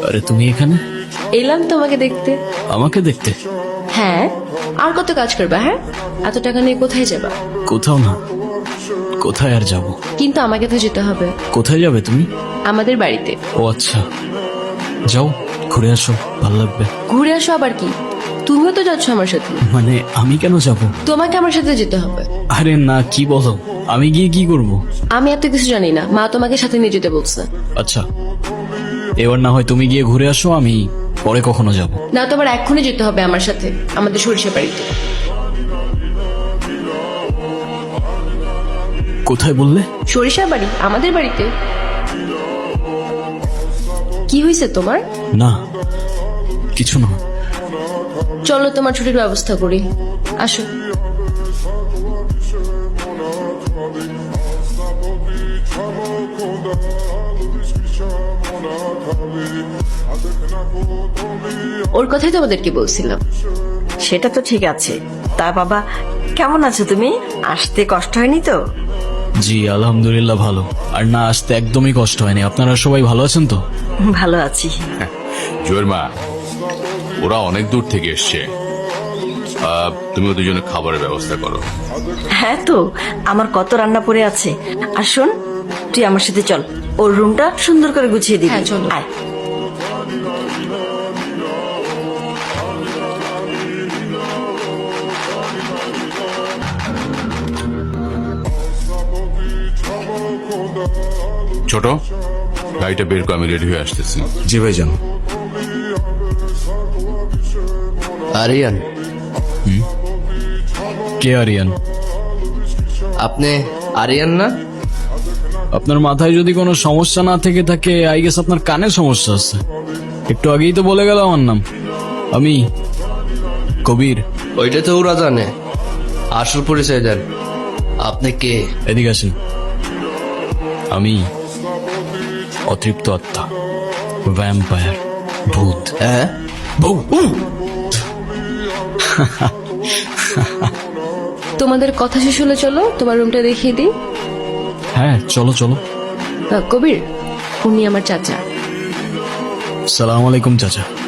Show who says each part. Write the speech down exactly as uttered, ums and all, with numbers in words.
Speaker 1: আরে তুমি এখানে?
Speaker 2: এলাম তোমাকে দেখতে।
Speaker 1: আমাকে দেখতে?
Speaker 2: হ্যাঁ, আর কত কাজ করবা? হ্যাঁ, এত টাকা নিয়ে কোথায় যাবা?
Speaker 1: কোথাও না। কোথায় আর যাব?
Speaker 2: কিন্তু আমাকে তো যেতে হবে।
Speaker 1: কোথায় যাবে তুমি?
Speaker 2: আমাদের বাড়িতে।
Speaker 1: ও আচ্ছা, যাও ঘুরে আসো, ভালো লাগবে।
Speaker 2: ঘুরে আসো আবার কি? তুমিও তো যাচ্ছ আমার সাথে।
Speaker 1: মানে আমি কেন যাব?
Speaker 2: তোমাকে আমার সাথে যেতে হবে।
Speaker 1: আরে না, কি বলো? আমি গিয়ে কি করব?
Speaker 2: আমি এত কিছু জানি না, মা তোমাকে সাথে নিয়ে যেতে বলছে।
Speaker 1: আচ্ছা, এবার না হয় তুমি গিয়ে ঘুরে আসো, আমি পরে কখনো যাব।
Speaker 2: না, তোমার এক্ষুনি যেতে হবে আমার সাথে আমাদের সরিষা বাড়িতে।
Speaker 1: কোথায় বললে?
Speaker 2: সরিষা বাড়ি, আমাদের বাড়িতে। কি হয়েছে তোমার?
Speaker 1: না, কিছু না।
Speaker 2: চলো তোমার ছুটির ব্যবস্থা করি, আসো। ওর কথাই তো আমাদেরকে বলছিলাম।
Speaker 3: সেটা তো ঠিক আছে। তা বাবা, কেমন আছো তুমি? আসতে কষ্ট হয়নি তো?
Speaker 1: জি আলহামদুলিল্লাহ ভালো। আর না আসতে একদমই কষ্ট হয়নি। আপনারা সবাই ভালো আছেন তো?
Speaker 3: ভালো আছি।
Speaker 4: জয়ের মা, ওরা অনেক দূর থেকে এসছে, আহ, তুমি ওদের জন্য খাবারের ব্যবস্থা করো।
Speaker 3: হ্যাঁ তো, আমার কত রান্না পড়ে আছে। আর শোন, তুই আমার সাথে চল, ওর রুমটা সুন্দর করে গুছিয়ে দিবি।
Speaker 2: হ্যাঁ, চলো।
Speaker 3: আয়।
Speaker 4: ছোট, গাড়িটা বের করে, আমি রেডি হয়ে আসতেছি।
Speaker 5: জি ভাইজান।
Speaker 6: আরিয়ান,
Speaker 1: কে আরিয়ান?
Speaker 6: আপনি আরিয়ান না?
Speaker 1: আপনার মাথায় যদি কোনো সমস্যা না থেকে থাকে, আই গেস আপনার কানে সমস্যা আছে। একটু আগেই তো বলে গেল আমার নাম, আমি কবির।
Speaker 6: ওইটা তো ওরা জানে, আসল পরিচয় দেন। আপনি কে?
Speaker 1: এদিকে আসেন। আমি অতৃপ্ত আত্মা, ভ্যাম্পায়ার, ভূত।
Speaker 6: হ্যাঁ,
Speaker 2: তোমাদের কথা শেষ হলে চলো তোমার রুমটা দেখিয়ে দিই।
Speaker 1: হ্যাঁ চলো চলো।
Speaker 2: আহ, কবির, উনি আমার চাচা।
Speaker 1: সালাম আলাইকুম চাচা।